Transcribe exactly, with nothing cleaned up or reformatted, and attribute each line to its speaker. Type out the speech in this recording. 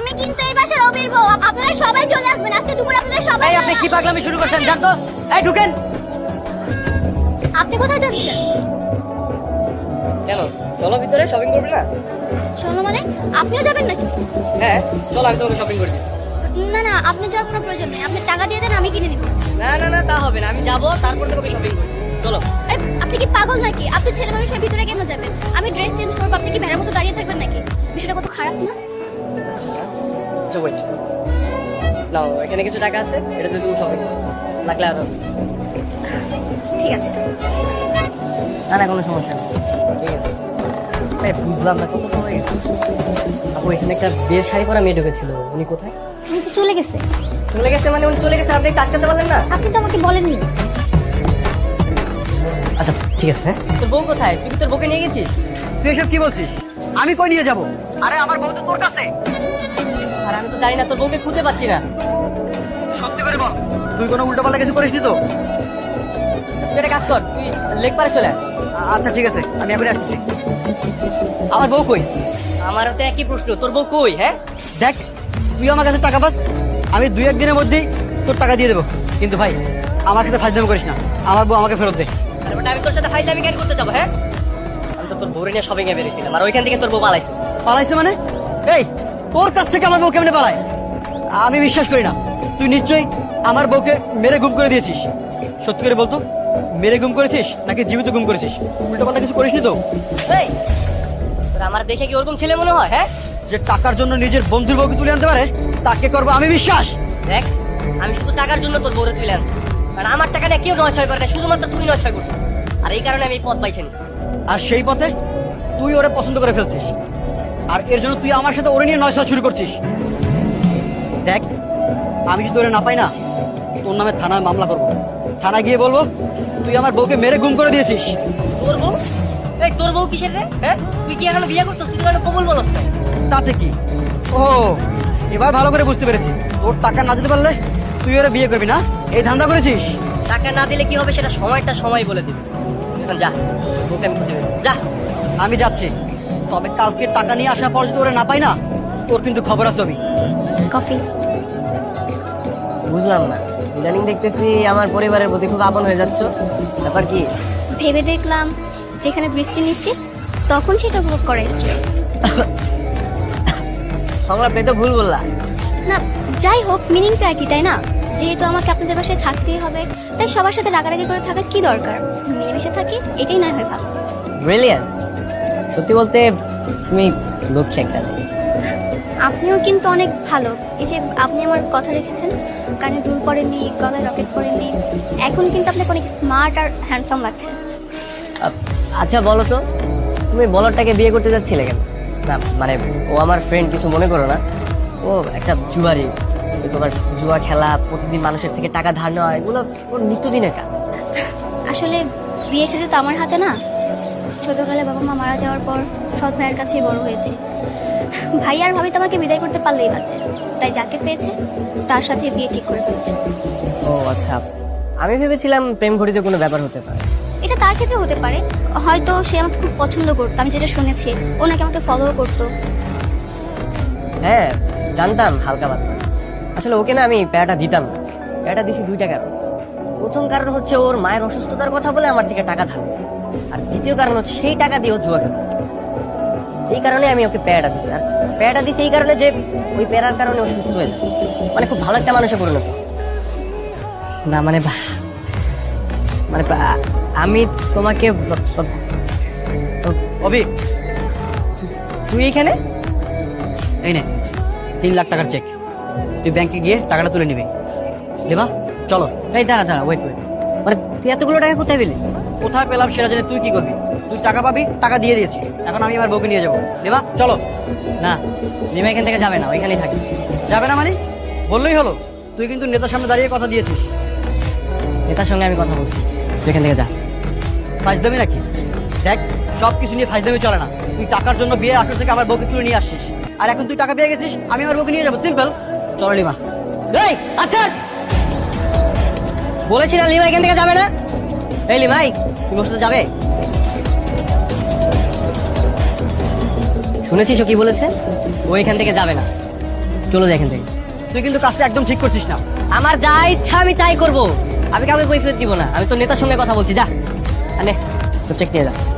Speaker 1: আমি কিন্তু এই বাসার অবির বউ। আপনারা সবাই চলে আসবেন আজকে দুপুরে আপনাদের সবাই।
Speaker 2: এই আপনি কি পাগলামি শুরু করছেন জান তো? এই ঢুকেন।
Speaker 1: আপনি কোথায় যাচ্ছেন?
Speaker 2: কেন চলো ভিতরে শপিং করবে না?
Speaker 1: চলো মানে আপনিও যাবেন নাকি?
Speaker 2: হ্যাঁ চলো আমি তোমাকে শপিং করে দিই।
Speaker 1: না না আপনি যাওয়ার কোনো প্রয়োজন নেই, আপনি টাকা দিয়ে দেন আমি কিনে নিব।
Speaker 2: না না না তা হবে না, আমি যাবো তারপর তোমাকে শপিং করব। চলো।
Speaker 1: আরে আপনি কি পাগল নাকি? আপনি ছেলে মানুষের ভিতরে কেন যাবেন? আমি ড্রেস চেঞ্জ করবো, আপনি কি ভেড়ার মতো দাঁড়িয়ে থাকবেন নাকি? বিষয়টা কত খারাপ না?
Speaker 2: আচ্ছা ওয়েট নাও, এখানে কিছু টাকা আছে, এটা দিয়ে তুমি শপিং করো, লাগলে আরো।
Speaker 1: ঠিক আছে।
Speaker 2: না না কোনো সমস্যা নেই, ঠিক আছে। এই বুঝলাম না কত সময় গেছে। আপু এখানে একটা বিয়ের শাড়ি পরা মেয়ে ঢুকেছিল, উনি কোথায়?
Speaker 1: উনি তো চলে গেছে।
Speaker 2: চলে গেছে মানে উনি চলে গেছে, আপনি একটু আটকাতে পারলেন না?
Speaker 1: আপনি তো আমাকে বলেননি।
Speaker 2: আচ্ছা ঠিক আছে। হ্যাঁ তোর বউ কোথায়? তুই কি তোর বউকে নিয়ে গেছিস?
Speaker 3: তুই এসব কি বলছিস? আমি কই নিয়ে যাব? আরে আমার বউ তো তোর কাছে।
Speaker 2: আর আমি তো জানি না, তোর বউকে খুঁজে পাচ্ছি না।
Speaker 3: সত্যি করে বল, তুই কোনো উল্টোপাল্টা কিছু করিসনি তো?
Speaker 2: তুই একটা কাজ কর, তুই লেক পারে চলে আয়।
Speaker 3: আ- আচ্ছা ঠিক আছে, আমি এখনই আসতেছি। আমার বউ কই?
Speaker 2: আমারও তো একই প্রশ্ন, তোর বউ কই? হ্যাঁ
Speaker 3: দেখ, তুই আমার কাছে টাকা পাস, আমি দুই একদিনের মধ্যেই তোর টাকা দিয়ে দেবো। কিন্তু ভাই আমার সাথে ফাজলামি করিস না, আমার বউ আমাকে ফেরত দে।
Speaker 2: আরে বেটা, আমি তোর সাথে ফাইজলামি কেন করতে যাবো? হ্যাঁ আমি তো তোর বউরে নিয়ে শপিং এ বেরিয়েছিলাম, আর ওইখান থেকে তোর বউ পালাইছে।
Speaker 3: পালাইছে মানে? এই তোর কাছ থেকে আমার বউ কেমনে পালায়? আমি বিশ্বাস করি না। তুই নিশ্চয়ই আমার বউকে মেরে গুম করে দিয়েছিস। সত্যি করে বলতো, মেরে গুম করেছিস নাকি জীবিত গুম করেছিস? উল্টোপাল্টা কিছু করিসনি তো?
Speaker 2: এই তোর আমার দেখে কি ওরকম ছেলে মনে হয়? হ্যাঁ
Speaker 3: যে টাকার জন্য নিজের বন্ধুর বউকে তুলে আনতে পারে তাকে করবো আমি বিশ্বাস।
Speaker 2: দেখ, আমি শুধু টাকার জন্য তোর বউরে তুলে আনছি, কারণ আমার টাকা নিয়ে কেউ নয় ছয় করে না, শুধুমাত্র তুই নয় ছয় করছিস। আর এই কারণে আমি এই পথ পাইছি নিছি।
Speaker 3: আর সেই পথে তুই ওরে পছন্দ করে ফেলছিস, আর এর জন্য তুই আমার সাথে ওরে নিয়ে নয় ছয় শুরু করছিস। দেখ, আমি যদি ওরে না পাই না, তোর নামে থানায় মামলা করবো। থানায় গিয়ে বলবো তুই আমার বউকে মেরে গুম করে দিয়েছিস।
Speaker 2: তোর বউ? এই তোর বউ কিসের রে? হ্যাঁ তুই কি এখনো বিয়ে করতো? তুই তো এখনো কবুল বলত না।
Speaker 3: তাতে কি? ও এবার ভালো করে বুঝতে পেরেছি, তোর টাকা না দিতে পারলে তুই ওরা বিয়ে করবি না, এই ধান্দা করেছিস।
Speaker 2: টাকা না দিলে কি হবে সেটা সময়টা সময় বলে দিবে। এখন যা, তোকে আমি খুঁজে বের করবো। যা।
Speaker 3: আমি যাচ্ছি, তবে কালকে টাকা নিয়ে আসার পর যদি ওরা না পাই না, তোর কিন্তু খবর আছে। আমি
Speaker 1: কফি।
Speaker 2: বুঝলাম না, ইদানিং দেখতেছি আমার পরিবারের প্রতি খুব আপন হয়ে যাচ্ছ, ব্যাপার কি?
Speaker 1: ভেবে দেখলাম যেখানে বৃষ্টি নিশ্চিত তখন সেটা উপভোগ করা শ্রেয়।
Speaker 2: সংলাপে তো ভুল বললা।
Speaker 1: না যাই হোক, মিনিং তো একই তাই না? যেহেতু আমাকে আপনাদের বাসায় থাকতেই হবে, তাই সবার সাথে রাগারাগি করে থাকার কি দরকার? মিলেমিশে থাকি, এটাই না হয় ভালো।
Speaker 2: ব্রিলিয়ান্ট। সত্যি বলতে তুমি লক্ষ্যে একটা মেয়ে।
Speaker 1: আপনিও কিন্তু অনেক ভালো। এই যে আপনি আমার কথা রেখেছেন, কানে দুল পরেননি, গলায় রকেট পরেননি, এখন কিন্তু আপনাকে অনেক স্মার্ট আর হ্যান্ডসাম লাগছে।
Speaker 2: আ- আচ্ছা বলো তো, তুমি বলরটাকে বিয়ে করতে যাচ্ছিলে কেন? না মানে ও আমার ফ্রেন্ড, কিছু মনে করো না। ও একটা জুয়ারি, ওই তোমার জুয়া খেলা, প্রতিদিন মানুষের থেকে টাকা ধার নেওয়া, এগুলো ওর নিত্যদিনের কাজ।
Speaker 1: আসলে বিয়ে সাথে তো আমার হাতে না। ছোটকালে বাবা মা মারা যাওয়ার পর সৎ ভাইয়ের কাছেই বড় হয়েছি। ভাই আর ভাবি তো আমাকে বিদায় করতে পারলেই বাঁচে, তাই যাকে পেয়েছে তার সাথে বিয়ে ঠিক করে ফেলেছে।
Speaker 2: ও আচ্ছা, আমি ভেবেছিলাম প্রেম ঘটিত কোনো ব্যাপার হতে পারে।
Speaker 1: এটা তার ক্ষেত্রে হতে পারে, হয়তো সে আমাকে খুব পছন্দ করতো, আমি যেটা শুনেছি ও নাকি আমাকে ফলো করতো।
Speaker 2: হ্যাঁ জানতাম হালকা পাতলা। আসলে ওকে না আমি প্যারাটা দিতাম না। প্যারাটা দিছি দুইটা কারণ। প্রথম কারণ হচ্ছে ওর মায়ের অসুস্থতার কথা বলে আমার থেকে টাকা ধার নিয়েছে, আর দ্বিতীয় কারণ হচ্ছে সেই টাকা দিয়ে ও জুয়া খেলছে। এই কারণে আমি ওকে প্যারাটা দিছি। আর প্যারাটা দিছি এই কারণে যে ওই প্যারার কারণে ও সুস্থ হয়ে যায়, মানে খুব ভালো একটা মানুষে পরিণত। না মানে ভা- মানে বা- আমি তোমাকে ব- ব-
Speaker 3: অভি,
Speaker 2: তুই এখানে?
Speaker 3: এই নে তিন লাখ টাকার চেক, তুই ব্যাংকে গিয়ে টাকাটা তুলে নিবি। দেবা চলো।
Speaker 2: এই দাঁড়া দাঁড়া, ওয়েট ওয়েট, মানে তুই এতগুলো টাকা কোথায় পেলি?
Speaker 3: কোথায় পেলাম সেটা জেনে তুই কি করবি? তুই টাকা পাবি, টাকা দিয়ে দিয়েছি, এখন আমি আমার বউকে নিয়ে যাবো। দেবা চলো।
Speaker 2: না, লিমা এখান থেকে যাবে না, ওইখানেই থাকবে।
Speaker 3: যাবে না মানে? বললেই হলো। তুই কিন্তু নেতার সামনে দাঁড়িয়ে কথা দিয়েছিস।
Speaker 2: নেতার সঙ্গে আমি কথা বলছি, তুই এখান থেকে যা।
Speaker 3: ফাইজদামি নাকি? দেখ, সব কিছু নিয়ে ফাইজদামি চলে না। তুই টাকার জন্য বিয়ে আসর থেকে আমার বউকে তুলে নিয়ে আসছিস, আর এখন তুই টাকা পেয়ে গেছিস, আমি আমার বউকে নিয়ে যাবো। সিম্পল। চলো লিমা।
Speaker 2: এই আচ্ছা, বলেছি না লিমা এখান থেকে যাবে না। এই লিমাই, তুমি ওর সাথে যাবে? শুনেছিস ও কি বলেছে? ও এখান থেকে যাবে না। চলে যাই এখান থেকে।
Speaker 3: তুই কিন্তু কাজটা একদম ঠিক করছিস না।
Speaker 2: আমার যা ইচ্ছা আমি তাই করব, আমি কাউকে কৈফিয়ত দিব না। আমি তোর নেতার সঙ্গে কথা বলছি, যা আনে তোর চেক নিয়ে যা।